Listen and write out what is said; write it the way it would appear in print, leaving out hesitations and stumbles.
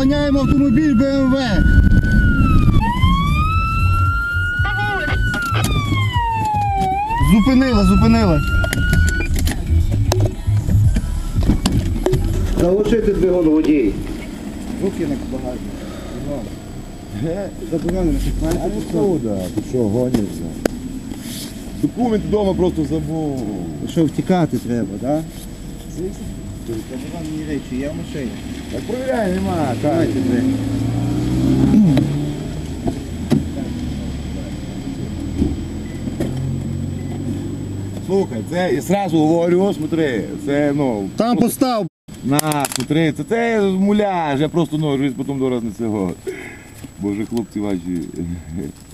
Доганяємо автомобіль БМВ. Зупинила. Заглушити двигун водій. Руки на багажник. Заборонено, що А ну куда? Ти що, гонишся? Документ вдома просто забув. що втікати треба, так? Заборонені речі, я в машині. Так провіряй, нема. Давайте двері. Слухай, це я сразу говорю, смотри, це ну. Там постав. На, смотри, це муляж, я просто ну, потім до раз не цього. Боже, хлопці ваші.